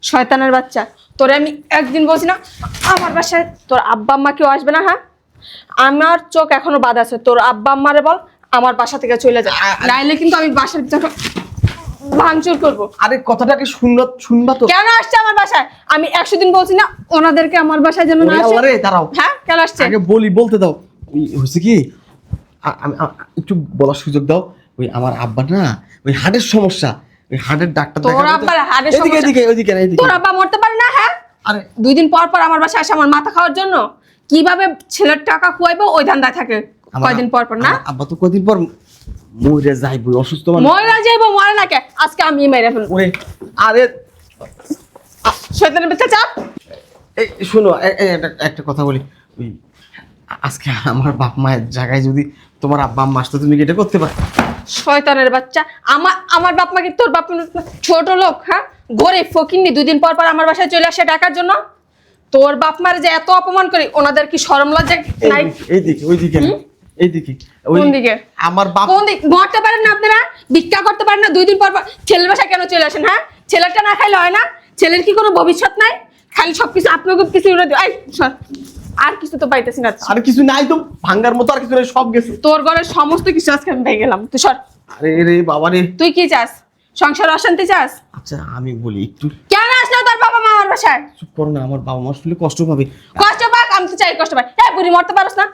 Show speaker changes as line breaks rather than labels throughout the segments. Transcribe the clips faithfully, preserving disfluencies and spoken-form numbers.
শয়তানের বাচ্চা, তোরে আমি একদিন বলছি না আমার বাসায় তোর আব্বা আম্মা কেউ আসবে না। হ্যাঁ, আমার চোখ এখনো বাদ আছে। তোর আব্বা আম্মারে বল আমার বাসা থেকে চলে যায়, নাইলে কিন্তু আমি বাসার ভিতরে ভাঙচুর করবো।
আরে কথাটাকে শুনবা শুনবা তো।
কেন আসছে আমার বাসায়? আমি একশো দিন বলছি না ওনাদেরকে আমার বাসায় যেন না আসে।
আরে দাঁড়াও,
হ্যাঁ কেন আসছে?
আগে বলি, বলতে দাও। ওই হয়েছে কি, আ- আমি আ- একটু বলার সুযোগ দাও। ওই আমার আব্বা না, ওই হার্টের সমস্যা, ওই হার্টের ডাক্তার
তোর
দেখাতে তো-
আব্বার হার্টের
এদিকে
সমস্যা?
এদিকে ওইদিকে না, এদিকে।
তোর আব্বা মরতে পারে না? হ্যাঁ,
আরে
দুই দিন পর পর আমার বাসায় আসে আমার মাথা খাওয়ার জন্য। কিভাবে ছেলের টাকা খুয়াইবো ওই ধান্দায় থাকে
আমার
কয়দিন পর পর না।
আমার আব্বা তো কদিন পর মরে যাইবো, অসুস্থ মানুষ।
মরে যাইবো, মরে না কে, আজকে আমি মেরে ফেলবো।
ওরে আরে
শয়তানের বাচ্চা চাপ।
এই শোনো, এ- এ- একটা- একটা কথা বলি। ওই আজকে আমার বাপ মায়ের জায়গায় যদি তোমার আব্বা আম্মা আসতো, তুমি কি এটা করতে পারো?
শয়তানের বাচ্চা, আমার আমার বাপ মাকে তোর বাপ মা ছোট লোক। হ্যাঁ, গরিব ফকিন্নি, দুই দিন পর পর আমার বাসায় চলে আসে টাকার জন্য। তোর বাপ মার যে এত অপমান করি, ওনাদের কি শরম লজ্জা নাই?
এইদিকে ওইদিকে না, এইদিকে ওই
কোন দিকে?
আমার বাপ।
কোন দিক মরতে পারেন না আপনারা? ভিক্ষা করতে পারেন না? দুই দিন পর পর ছেলের বাসায় কেন চলে আসেন? হ্যাঁ, ছেলেটা না খাইলে হয় না? ছেলের কি কোনো ভবিষ্যৎ নাই? খালি সবকিছু আপনাকে কিছু উড়ে দিও। এই সর, আর কিছু তো পাইতেছি না।
আর কিছু নাই তো, ভাঙ্গার মতো আর কিছু নাই, সব গেছে।
তোর ঘরের সমস্ত কিছু আজকে আমি ভেঙে গেলাম। তুই সর।
আরে রে বাবা রে।
তুই কি চাস? সংসার অশান্তি চাস?
আচ্ছা আমি বলি, একটু
কেন আসলো তোর বাবা মা আমার বাসায়?
চুপ করো না, আমার বাবা মা শুনলে কষ্ট পাবে।
কষ্ট পাক, আমি তো চাই কষ্ট পাই। হ্যাঁ, বুড়ি মরতে পারস না?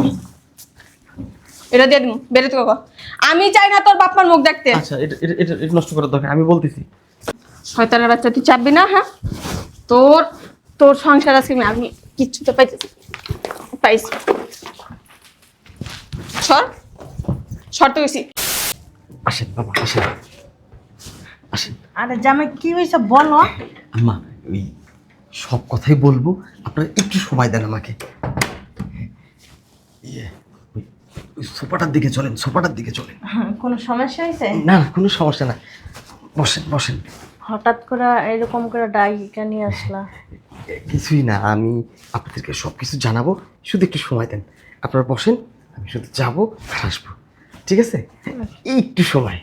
এটা দিয়ে দিন, বেরোতে কখন? আমি চাই না তোর বাপ মার মুখ দেখতে।
আচ্ছা এটা এটা এটা এটা নষ্ট করার দরকার, আমি বলতেছি।
শয়তানের বাচ্চা, তুই চাপবি না। হ্যাঁ, তোর তোর সংসার আজকে আমি আমি কিচ্ছু তো পাইতেছি পাইছি। সর সর তো গেছি।
আসেন বাবা, আসেন আসেন।
আরে জামাই কি হয়েছে বলো।
আম্মা ওই সব কথাই বলবো, আপনারা একটু সময় দেন আমাকে। ইয়ে, ওই ওই সোফাটার দিকে চলেন, সোফাটার দিকে চলেন।
কোনো সমস্যা হয়েছে?
না না, কোনো সমস্যা না, বসেন বসেন।
হঠাৎ করে এরকম করে ডাইকা নিয়ে আসলা?
এ, কিছুই না, আমি আপনাদেরকে সব কিছু জানাবো, শুধু একটু সময় দেন। আপনারা বসেন, আমি শুধু যাবো আর আসবো, ঠিক আছে? এই একটু সময়।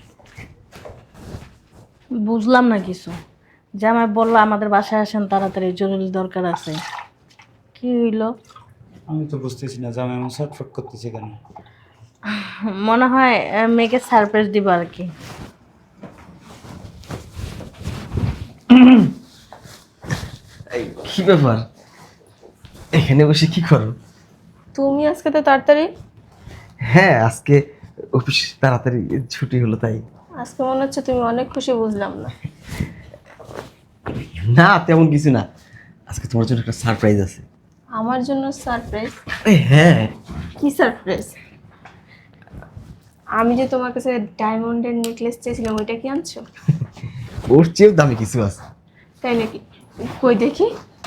বুঝলাম না কিছু। জামাই বললো আমাদের বাসায় আসেন তাড়াতাড়ি, জরুরি দরকার আছে। কি হইলো?
আমি তো বুঝতেছি না জামাই এমন ছটফট করতেছে কেন।
মনে হয় আহ, মেয়েকে সারপ্রাইজ দিব আর কি।
এই কি ব্যাপার, এখানে বসে কি করো?
তুমি আজকে তো তাড়াতাড়ি।
হ্যাঁ আজকে অফিস তাড়াতাড়ি ছুটি হলো তাই।
আজকে মনে হচ্ছে তুমি অনেক খুশি। বুঝলাম না।
না তেমন কিছু না, আজকে তোমার জন্য একটা সারপ্রাইজ আছে।
আমার জন্য সারপ্রাইজ?
আরে হ্যাঁ।
কি সারপ্রাইজ? আমি যে তোমার কাছে ডায়মন্ডের নেকলেস চেয়েছিলাম, ওইটা কি আনছো?
ওর চেয়েও দামি কিছু আছে।
তাই নাকি? কই দেখি।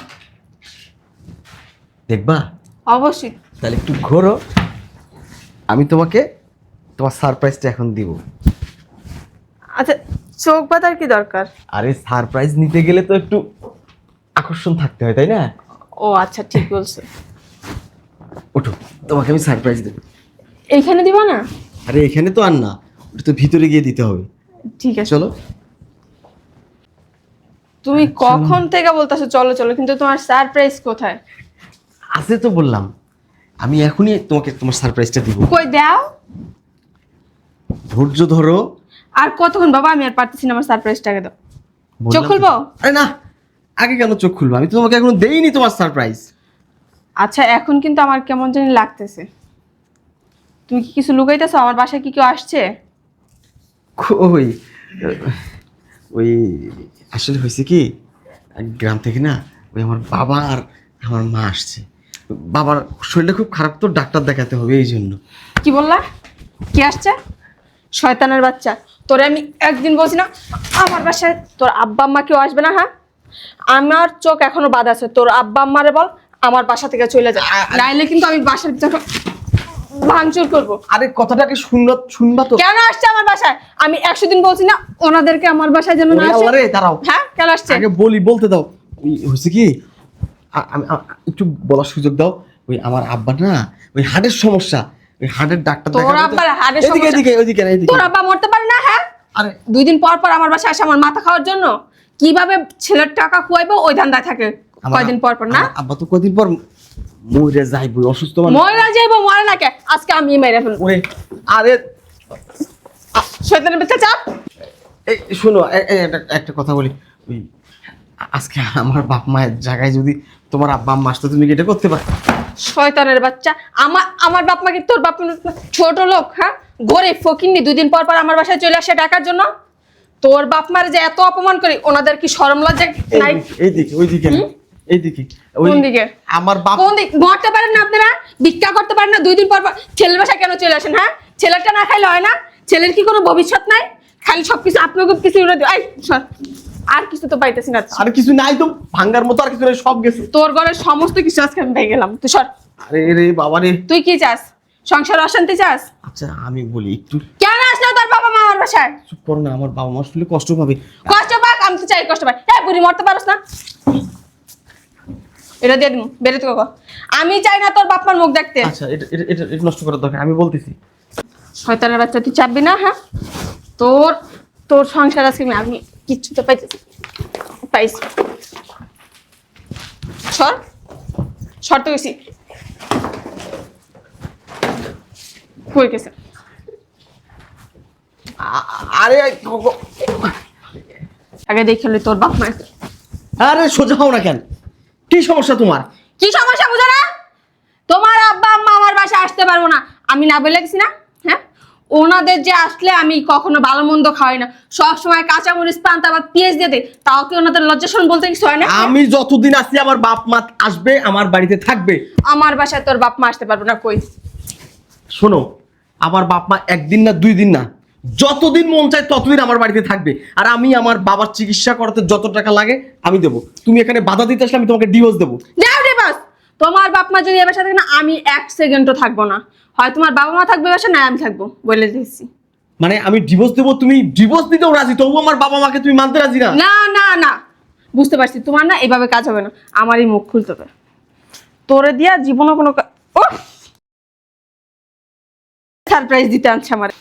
দেখবা?
অবশ্যই।
তাহলে একটু ঘোরো, আমি তোমাকে তোমার সারপ্রাইজটা এখন দিব।
আচ্ছা, চোখ বাঁধার কি দরকার?
আরে সারপ্রাইজ নিতে গেলে তো একটু আকর্ষণ থাকতে হয় তাই না?
ও আচ্ছা, ঠিক বলছো।
ওঠো, তোমাকে আমি সারপ্রাইজ দেবো।
এইখানে দিবা না?
আরে এখানে তো আর না, ওটা তো ভিতরে গিয়ে দিতে হবে।
ঠিক আছে,
চলো।
তুমি কখন থেকে বলতেছো চলো চলো, কিন্তু তোমার সারপ্রাইজ কোথায়?
আছে তো বললাম, আমি এখনই তোমাকে তোমার সারপ্রাইজটা দিব।
কই দাও।
ধৈর্য ধরো।
আর কতক্ষণ বাবা, আমি আর পারতেছি না, আমার সারপ্রাইজটাকে দাও।
বললাম
চোখ
তো।
খুলবো?
আরে না, আগে কেন চোখ খুলবো? আমি তো তোমাকে এখনো দেইনি তোমার সারপ্রাইজ।
আচ্ছা, এখন কিন্তু আমার কেমন জানি লাগতেছে। তুমি কি কিছু লুকাইতেছো? আমার বাসায় কি কেউ আসছে?
ওই ওই আসলে হয়েছে কি, গ্রাম থেকে না ওই আমার বাবা আর আমার মা আসছে। বাবার শরীরটা খুব খারাপ, তো ডাক্তার দেখাতে হবে, এই জন্য।
কি বললা? কি আসছে? শয়তানের বাচ্চা, তোরে আমি একদিন বলছি না আমার বাসায় তোর আব্বা আম্মা কেউ আসবে না। হ্যাঁ, আমার চোখ এখনো বাদ আছে। তোর আব্বা আম্মারে বল আমার বাসা থেকে চলে যায়, নাইলে কিন্তু আমি বাসার ভিতরে ভাঙচুর করবো।
আরে কথাটাকে শুনবা শুনবা তো।
কেন আসছে আমার বাসায়? আমি একশো দিন বলছি না ওনাদেরকে আমার বাসায় যেন না আসে।
আরে দাঁড়াও,
হ্যাঁ, কেন আসছে?
আগে বলি, বলতে দাও। ওই হয়েছে কি, আ- আমি আ- একটু বলার সুযোগ দাও। ওই আমার আব্বা না, ওই হার্টের সমস্যা, ওই হার্টের ডাক্তার
তোর
দেখাতে তো-
আব্বার হার্টের
এদিকে
সমস্যা?
এদিকে ওইদিকে না, এদিকে।
তোর আব্বা মরতে পারে না? হ্যাঁ,
আরে
দুই দিন পর পর আমার বাসায় আসে আমার মাথা খাওয়ার জন্য। কিভাবে ছেলের টাকা খুয়াইবো ওই ধান্দায় থাকে
আমার-
কয়দিন পর পর না
আমার আব্বা তো কদিন পর মরে যাইব, অসুস্থ মানুষ।
ময়রা যাইবো মরে না কে আজকে আমি মেরে ফেলবো
ওরে আরে
শয়তানের বাচ্চা চাপ
এই শোনো, এ- এ- একটা- একটা কথা বলি, ওই আজকে আমার বাপ মায়ের জায়গায় যদি তোমার আব্বা আম্মা আসতো, তুমি কি এটা করতে পারো?
শয়তানের বাচ্চা আমার আমার বাপ মাকে তোর বাপ মা ছোট লোক, হ্যাঁ গরিব ফকিন্নি, দুই দিন পর পর আমার বাসায় চলে আসে টাকার জন্য। তোর বাপ মার যে এত অপমান করি, ওনাদের কি শরম লজ্জা নাই?
এইদিকে ওইদিকে না, এইদিকে ওই
কোন দিকে?
আমার বাপ।
কোন দিক মরতে পারেন না আপনারা? ভিক্ষা করতে পারেন না? দুই দিন পর পর ছেলের বাসায় কেন চলে আসেন? হ্যাঁ ছেলেটা না খাইলে হয় না? ছেলের কি কোনো ভবিষ্যৎ নাই? খালি সবকিছু আপনাকে কিছু উড়ে দিও। এই সর, আর কিছু তো পাইতেছি না।
আর কিছু নাই তো, ভাঙ্গার মতো আর কিছু নাই, সব গেছে।
তোর ঘরের সমস্ত কিছু আজকে আমি পেয়ে গেলাম। তুই সর।
আরে রে বাবা রে।
তুই কি চাস? সংসার অশান্তি চাস?
আচ্ছা আমি বলি, একটু
কেন আসলে তোর বাবা মা আমার বাসায়?
চুপ করো না, আমার বাবা মা শুনলে কষ্ট পাবে।
কষ্ট পাক, আমি তো চাই কষ্ট পাই। হ্যাঁ বুড়ি মরতে পারস না? এটা দিয়ে দিন, বেরোতে কো। আমি চাই না তোর বাপ মার মুখ দেখতে।
আচ্ছা এটা এটা এটা এটা নষ্ট করার দরকার, আমি বলতেছি।
শয়তানের বাচ্চা, তুই চাপবি না? হ্যাঁ তোর তোর সংসার আজকে আমি আমি কিচ্ছু তো পাইতেছি পাইছি। সর সর তো গেছি কই গেছে?
আ- আরে ক- ক-
আগে দেখে লই তোর বাপ মায়ের
আরে সোজা হও না কেন? কি সমস্যা তোমার?
কি সমস্যা বুঝো না? তোমার আব্বা আম্মা আমার বাসায় আসতে পারবো না, আমি না বলে গেছি না? হ্যাঁ ওনাদের যে আসলে আমি কখনো ভালো মন্দ খাওয়াই না, সবসময় কাঁচা মরিচ পান্তা বা পেঁয়াজ দিয়ে দেয়, তাও কি ওনাদের লজ্জাশন বলতে কিছু হয় না?
আমি যতদিন আছি আমার বাপ মা আসবে, আমার বাড়িতে থাকবে।
আমার বাসায় তোর বাপ মা আসতে পারবো না। কই?
শোনো, আমার বাপ মা একদিন না দুই দিন না, যতদিন মন চায় ততদিন আমার বাড়িতে থাকবে। আর আমি আমার বাবার চিকিৎসা করাতে যত টাকা লাগে আমি দেবো। তুমি এখানে বাধা দিতে আসলে আমি তোমাকে ডিভোর্স দেবো।
যাও রে বাস। তোমার বাপ মা যদি এ বাসা থাকে না, আমি এক সেকেন্ডও থাকবো না। হয় তোমার বাবা মা থাকবে বাসা, না আমি থাকবো, বলে দিচ্ছি।
মানে আমি ডিভোর্স দেবো, তুমি ডিভোর্স দিতেও রাজি, তবু আমার বাবা মাকে তুমি মানতে রাজি না?
না না না, বুঝতে পারছি তোমার না এভাবে কাজ হবে না, আমারই মুখ খুলতে হবে। তোরে দিয়া জীবনে কোনো সারপ্রাইজ দিতে আনছে আমার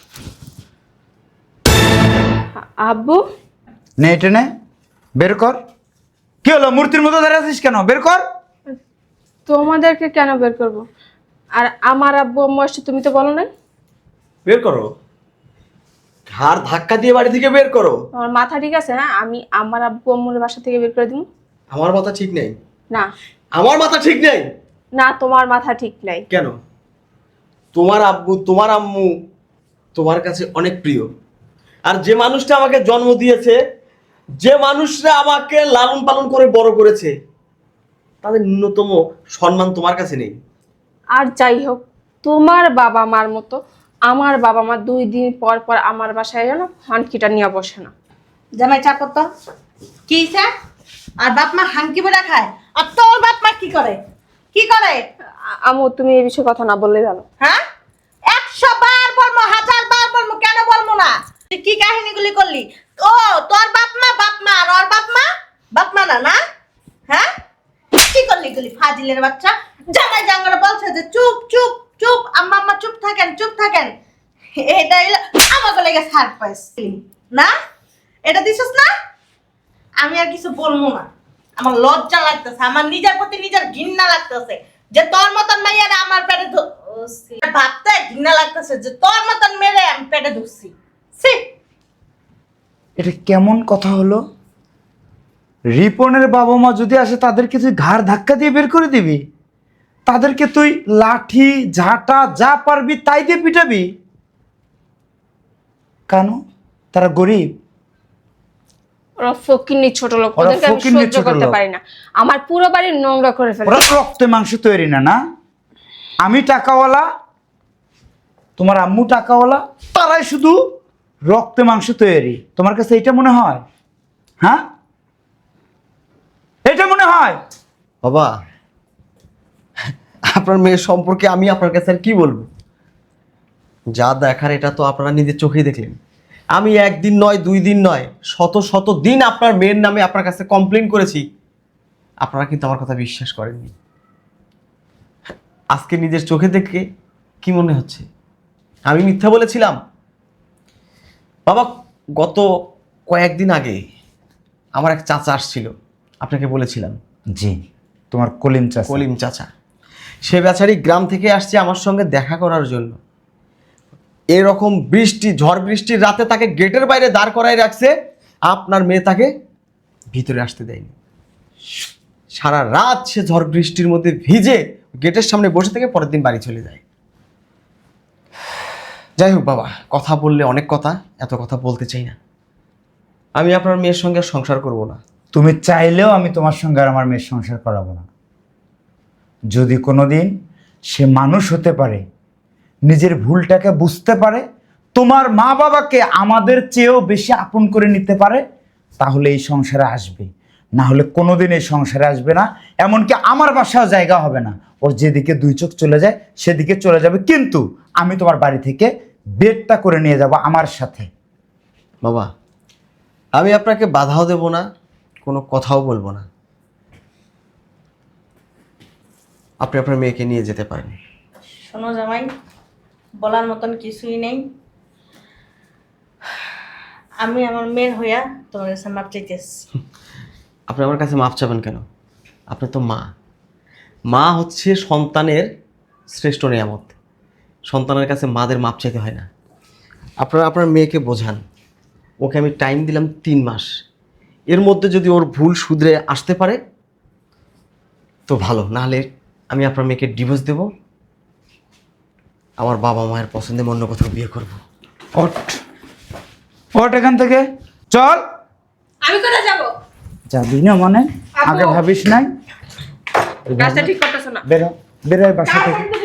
আব্বু।
নে এটা নে, বের কর। কি হলো, মূর্তির মতো দাঁড়িয়ে আছিস কেন? বের কর।
তোমাদেরকে কেন বের করব? আর আমার আব্বু আম্মু আসছে, তুমি তো বলো না।
বের করো, ঘাড় ধাক্কা দিয়ে বাড়ি থেকে বের করো।
তোমার মাথা ঠিক আছে? হ্যাঁ আমি আমার আব্বু আম্মুর বাসা থেকে বের করে দিব?
আমার মাথা ঠিক নেই।
না
আমার মাথা ঠিক নেই?
না, তোমার মাথা ঠিক নাই।
কেন? তোমার আব্বু তোমার আম্মু তোমার কাছে অনেক প্রিয়। আর যে মানুষটা আমাকে জন্ম দিয়েছে, যে মানুষরা আমাকে লালন পালন করে বড় করেছে, তাদের ন্যূনতম সম্মান তোমার কাছে নেই।
আর যাই হোক, তোমার বাবা মার মতো আমার বাবা মা দুই দিন পর পর আমার বাসায় যেন হানকিটা নিয়ে বসে না।
জামাই চাপ তো কি চা? আর বাপ মা হাঙ্কি বেড়া খায়, আর তোর বাপ মা কি করে? কি করে?
আ- আম্মু তুমি এই বিষয়ে কথা না বললেই ভালো।
হ্যাঁ একশো বার বলবো, হাজার বার বলবো, কেন বলবো না? তুই কি কাহিনীগুলি করলি? ও তোর বাপ মা বাপ মা, আর ওর বাপ মা বাপ মা না না? হ্যাঁ কি করলি গুলি ফাজিলের বাচ্চা? জামাই জাঙ্গরা বলছে যে চুপ চুপ চুপ, আম্মা আম্মা চুপ থাকেন চুপ থাকেন। এটা হইলো আমাকে লেগে সারপ্রাইজ না? এটা দিছিস না? আমি আর কিছু বলবো না, আমার লজ্জা লাগতেছে, আমার নিজের প্রতি নিজের ঘৃণা লাগতেছে যে তোর মতন মেয়েরা আমার পেটে ধ- ও সি। ভাবতে ঘৃণা লাগতেছে যে তোর মতন মেয়ে আমি পেটে ধরছি। সি
এটা কেমন কথা হলো? রিপনের বাবা মা যদি আসে তাদেরকে তুই ঘাড় ধাক্কা দিয়ে বের করে দিবি? তাদেরকে তুই লাঠি ঝাঁটা যা পারবি তাই দিয়ে পিটাবি? কেন? তারা গরিব?
ওরা ফকিন্নি ছোট লোক,
ওরা
ওদেরকে আমি
ফকিন্নি
সহ্য
ছোট
করতে
লোক।
পারি না। আমার পুরো বাড়ি নোংরা করে ফেলে।
ওরা রক্তে মাংস তৈরি না না? আমি টাকাওয়ালা, তোমার আম্মু টাকাওয়ালা, তারাই শুধু রক্তে মাংস তৈরি। তোমার কাছে এটা মনে হয়? হ্যাঁ এটা মনে হয়?
বাবা, আপনার মেয়ের সম্পর্কে আমি আপনার কাছে আর কি বলবো? যা দেখার এটা তো আপনারা নিজের চোখেই দেখলেন। আমি একদিন নয় দুই দিন নয় শত শত দিন আপনার মেয়ের নামে আপনার কাছে কমপ্লেন করেছি, আপনারা কিন্তু আমার কথা বিশ্বাস করেননি। আজকে নিজের চোখে দেখে কি মনে হচ্ছে আমি মিথ্যা বলেছিলাম? বাবা, গত কয়েকদিন আগে আমার এক চাচা আসছিল, আপনাকে বলেছিলাম।
জি, তোমার কলিম চাচা।
কলিম চাচা, সে বেচারি গ্রাম থেকে আসছে আমার সঙ্গে দেখা করার জন্য। এরকম বৃষ্টি, ঝড় বৃষ্টির রাতে তাকে গেটের বাইরে দাঁড় করাই রাখছে, আপনার মেয়ে তাকে ভিতরে আসতে দেয়নি। সারা রাত সে ঝড় বৃষ্টির মধ্যে ভিজে গেটের সামনে বসে থেকে পরের দিন বাড়ি চলে যায়। যাই হোক বাবা, কথা বললে অনেক কথা, এত কথা বলতে চাই না। আমি আপনার মেয়ের সঙ্গে সংসার করব না।
তুমি চাইলেও আমি তোমার সঙ্গে আর আমার মেয়ের সংসার করাবো না। যদি কোনোদিন সে মানুষ হতে পারে, নিজের ভুলটাকে বুঝতে পারে, তোমার মা বাবাকে আমাদের চেয়েও বেশি আপন করে নিতে পারে, তাহলে এই সংসারে আসবে। না হলে কোনোদিন এই সংসারে আসবে না। এমনকি আমার বাসাও জায়গা হবে না। ওর যেদিকে দুই চোখ চলে যায় সেদিকে চলে যাবে, কিন্তু আমি তোমার বাড়ি থেকে বেডটা করে নিয়ে যাব আমার সাথে।
বাবা, আমি আপনাকে বাধাও দেব না, কোনো কথাও বলবো না। আপনি আপনার মেয়েকে নিয়ে যেতে পারেন।
শোনো জামাই, বলার মতন কিছুই নেই। আমি আমার মেয়ের হইয়া তোমার কাছে মাপ চাইতেছি।
আপনি আমার কাছে মাপ চাবেন কেন? আপনি তো মা। মা হচ্ছে সন্তানের শ্রেষ্ঠ নিয়ামত। সন্তানের কাছে মাদের মাপ চাইতে হয় না। আপনারা আপনার মেয়েকে বোঝান। ওকে আমি টাইম দিলাম তিন মাস, এর মধ্যে যদি ওর ভুল শুধরে আসতে পারে তো ভালো, নাহলে আমি আপনার মেয়েকে ডিভোর্স দেব, আমার বাবা মায়ের পছন্দে অন্য কোথাও বিয়ে করব।
ওঠ ওঠ এখান থেকে, চল।
আমি কোথায় যাব?
যাবি না মানে?
আপু।
আগে ভাবিস নাই?
কাজটা ঠিক করতেছ না।
বেরো বেরো বাসা থেকে।